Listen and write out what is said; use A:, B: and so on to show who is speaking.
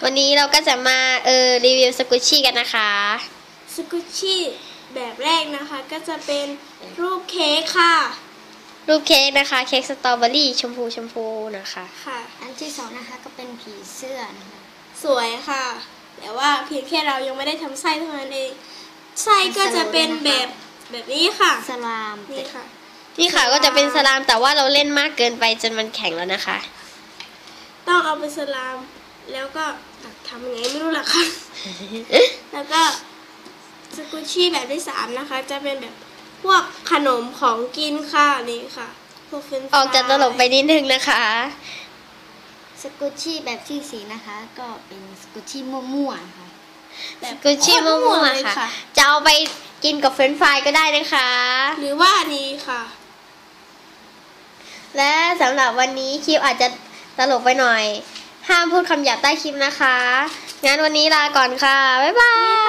A: วันนี้เราก็จะมารีวิวสกุชชี่กันนะคะ
B: สกุชชี่แบบแรกนะคะก็จะเป็นรูปเค้กค่ะ
A: รูปเค้กนะคะเค้กสตรอเบอรี่ชมพูนะคะ
B: ค่ะ
C: อันที่สองนะคะก็เป็นผีเสื้อนะคะ
B: สวยค่ะแต่ว่าเพียงแค่เรายังไม่ได้ทำไส้เท่านั้นเองไส้ก็จะเป็นแบบนี้ค่ะ
C: สลาม
B: นี่ค่ะ
A: นี่ค่ะก็จะเป็นสลามแต่ว่าเราเล่นมากเกินไปจนมันแข็งแล้วนะคะ
B: ต้องเอาไปสลามแล้วก็ทำยังไงไม่รู้ล่ะค่ะ แล้วก็สกุชชี่แบบที่สามนะคะจะเป็นแบบพวกขนมของกินค่ะนี่ค่ะพวกเฟรนช์ฟราย
A: ออกจากตลกไปนิดนึงนะคะ
C: สกุชชี่แบบที่สี่นะคะก็เป็นสกุชชี่มั่วๆนะคะ
A: สกุชชี่มั่วๆค่ะจะเอาไปกินกับเฟรนช์ฟรายก็ได้นะคะ
B: หรือว่าอันนี้ค่ะ
A: และสำหรับวันนี้คลิปอาจจะตลกไปหน่อยห้ามพูดคำหยาบใต้คลิปนะคะงั้นวันนี้ลาก่อนค่ะบ๊ายบาย